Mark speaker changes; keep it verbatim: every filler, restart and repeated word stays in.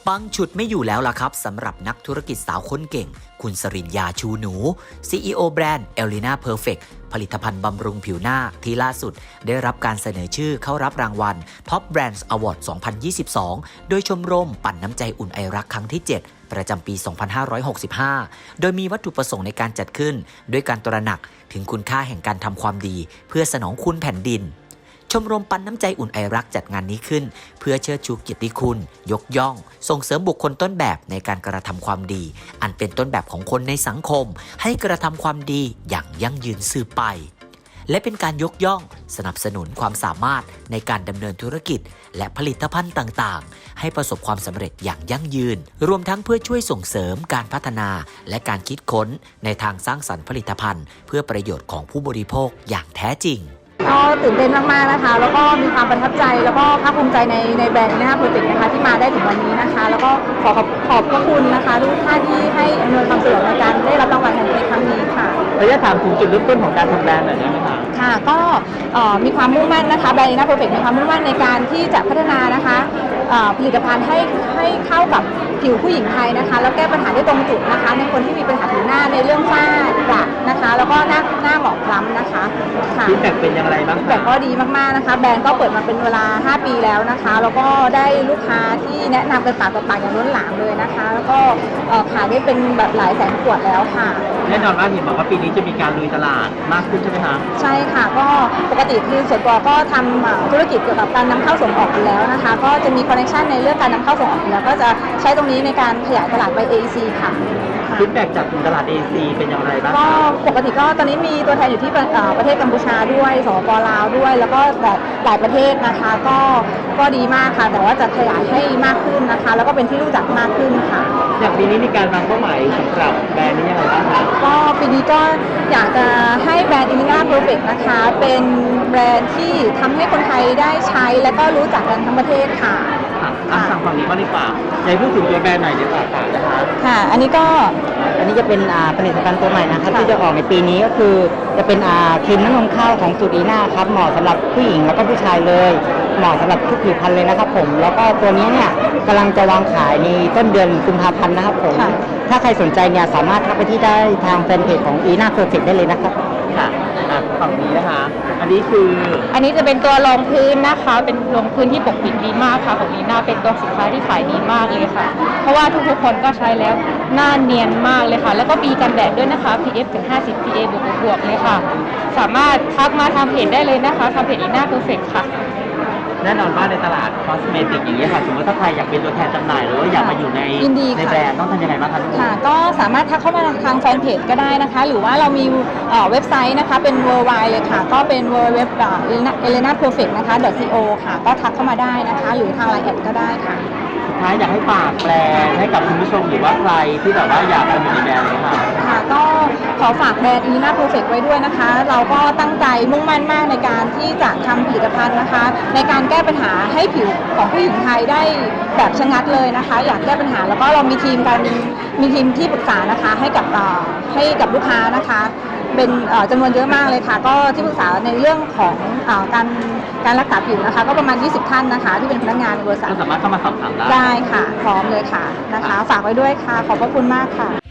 Speaker 1: ปังฉุดไม่อยู่แล้วล่ะครับสำหรับนักธุรกิจสาวคนเก่งคุณสริญญาชูหนู ซี อี โอ แบรนด์ Elena Perfect ผลิตภัณฑ์บำรุงผิวหน้าที่ล่าสุดได้รับการเสนอชื่อเข้ารับรางวัล Top Brands Award สองพันยี่สิบสอง โดยชมรมปั่นน้ำใจอุ่นไอรักครั้งที่ เจ็ด ประจำปี สองพันห้าร้อยหกสิบห้า โดยมีวัตถุประสงค์ในการจัดขึ้นด้วยการตระหนักถึงคุณค่าแห่งการทำความดีเพื่อสนองคุณแผ่นดินชมรมปันน้ำใจอุ่นไอรักจัดงานนี้ขึ้นเพื่อเชิดชูเกียรติคุณยกย่องส่งเสริมบุคคลต้นแบบในการกระทำความดีอันเป็นต้นแบบของคนในสังคมให้กระทำความดีอย่างยั่งยืนสืบไปและเป็นการยกย่องสนับสนุนความสามารถในการดำเนินธุรกิจและผลิตภัณฑ์ต่างๆให้ประสบความสำเร็จอย่างยั่งยืนรวมทั้งเพื่อช่วยส่งเสริมการพัฒนาและการคิดค้นในทางสร้างสรรค์ผลิตภัณฑ์เพื่อประโยชน์ของผู้บริโภคอย่างแท้จริง
Speaker 2: ก็ตื่นเต้นมากๆนะคะแล้วก็มีความประทับใจแล้วก็ภาคภูมิใจในในแบรนด์นะคะโปรเจกต์นะคะที่มาได้ถึงวันนี้นะคะแล้วก็ขอขอบขอบพระคุณนะคะทุกท่านที่ให้อำนวยความสะดวกในการได้รับรางวัลในครั้งนี้ค่ะ
Speaker 3: ระยะถามถึงจุดเริ่มต้นของการทำแบรนด์หน่อยได้ไหมคะ
Speaker 2: ค่ะก็มีความมุ่งมั่นนะคะแบรนด์นะคะโปรเจกต์มีความมุ่งมั่นในการที่จะพัฒนานะคะผลิตภัณฑ์ให้ให้เข้ากับผิวผู้หญิงไทยนะคะแล้วแก้ปัญหาได้ตรงจุดนะคะในคนที่มีปัญหาผิวหน้าในเรื่องฝ้ากระนะคะแล้วก็หน้าหน้าหมองคล้ำนะคะ
Speaker 3: ฟีดแบ็กเป็นอย่างไรบ้าง
Speaker 2: ฟีดแบ็กก็ดีมากๆนะคะแบรนด์ก็เปิดมาเป็นเวลาห้าปีแล้วนะคะแล้วก็ได้ลูกค้าที่แนะนำกันปากต่อปากอย่างล้นหลามเลยนะคะแล้วก็ขายได้เป็นแบบหลายแสนขวดแล้วค่ะ
Speaker 3: แน่นอนว่าเห็นบอกว่าปีนี้จะมีการลุยตลาดมากขึ้นใช่ไหมคะ
Speaker 2: ใช่ค่ะก็ปกติคือส่วนตัวก็ทำธุรกิจเกี่ยวกับการนำเข้าส่งออกอยู่แล้วนะคะก็จะมีคอนเนคชั่นในเรื่องการนำเข้าส่งออกอยู่แล้วก็จะใช้ตรงนี้ในการขยายตลาดไป เอ อี ซี ค่ะ
Speaker 3: ฟีดแบ็กจากตลาด เอ อี ซี เป็นอย่างไรบ้าง
Speaker 2: ก็ปกติก็ตอนนี้มีตัวแทนอยู่ที่ประเทศกัมพูชาด้วยสปป.ลาวด้วยแล้วก็แบบหลายประเทศนะคะก็ก็ดีมากค่ะแต่ว่าจะขยายให้มากขึ้นนะคะแล้วก็เป็นที่รู้จักมากขึ้นค่ะ
Speaker 3: อย่างปีนี้มีการวางเป้าหมายสำหรับแบรนด์นี้ยังไงบ้างคะ
Speaker 2: ก็ปีนี้ก็อยากจะให้แบรนด์ Elena Perfect นะคะเป็นแบรนด์ที่ทำให้คนไทยได้ใช้และก็รู้จักกันทั้งประเทศค่ะ
Speaker 3: อ่ะสั่งฝั่งนี้บ้างดีกว่าอยากพูดถึงตัวแบรนด์หน่อยดีกว่าค่ะนะคะ
Speaker 2: ค่ะอันนี้ก็
Speaker 4: อันนี้จะเป็นผลิตภัณฑ์ตัวใหม่นะครับที่จะออกในปีนี้ก็คือจะเป็นครีมน้ำนมข้าวของสูตรอีน่าครับเหมาะสำหรับผู้หญิงแล้วก็ผู้ชายเลยเหมาะสำหรับทุกผิวพรรณเลยนะครับผมแล้วก็ตัวนี้เนี่ยกำลังจะวางขายในต้นเดือนกุมภาพันธ์นะครับผมถ้าใครสนใจเนี่ยสามารถทักไปที่ได้ทางแฟนเพจของอีน่าเพอร์เฟคได้เลยนะครับ
Speaker 3: ค่ะฝั่งนี้นะคะอันนี้คือ
Speaker 5: อันนี้จะเป็นตัวรองพื้นนะคะเป็นรองพื้นที่ปกปิดดีมากค่ะของลีน่าเป็นตัวสินค้าที่ขายดีมากเลยค่ะเพราะว่าทุกๆคนก็ใช้แล้วหน้าเนียนมากเลยค่ะแล้วก็มีกันแดดด้วยนะคะ พี เอฟ ถึงห้าสิบ พี เอ บวกบวกเลยค่ะสามารถทักมาทางเพจได้เลยนะคะทางเพจลีน่าเพอร์เฟคค่ะ
Speaker 3: แน่นอนว่าในตลาดคอสเมติกอย่างนี้ค่ะสมมติถ้าใครอยากเป็นตัวแทนจำหน่ายหรือว่าอยากมาอยู่ในในแบรนด์ต้องทำยังไงบ้างคะ
Speaker 2: ค่ะก็สามารถทักเข้ามาทางแฟนเพจก็ได้นะคะหรือว่าเรามีเว็บไซต์นะคะเป็น เวิลด์ ไวด์ เลยค่ะก็เป็น ดับเบิลยู ดับเบิลยู ดับเบิลยู ดอท เอเลน่าเพอร์เฟคนะคะ .co ค่ะก็ทักเข้ามาได้นะคะหรือทางไลน์แอดก็ได้ค่ะ
Speaker 3: สุดท้ายอยากให้ฝากแบรนด์ให้กับคุณผู้ชมหรือว่าใครที่แบบว่าอยากเป็นอยู่ในแบรนด์เลยค่ะ
Speaker 2: ค่ะก็ขอฝากแบรนด์ Elena Perfect ไว้ด้วยนะคะเราก็ตั้งใจมุ่งมั่นมากในการที่จะทำผลิตภัณฑ์นะคะในการแก้ปัญหาให้ผิวของผู้หญิงไทยได้แบบชะงัดเลยนะคะอยากแก้ปัญหาแล้วก็เรามีทีมการมีทีมที่ปรึกษานะคะให้กับให้กับลูกค้านะคะเป็นจำนวนเยอะมากเลยค่ะก็ที่ปรึกษาในเรื่องของการการรักษาผิวนะคะก็ประมาณยี่สิบท่านนะคะที่เป็นพนักงานในบริษัท
Speaker 3: ก็สามารถเข้ามาสอบถามได้
Speaker 2: ได้ค่ะพร้อมเลยค่ะนะคะฝากไว้ด้วยค่ะขอบพระคุณมากค่ะ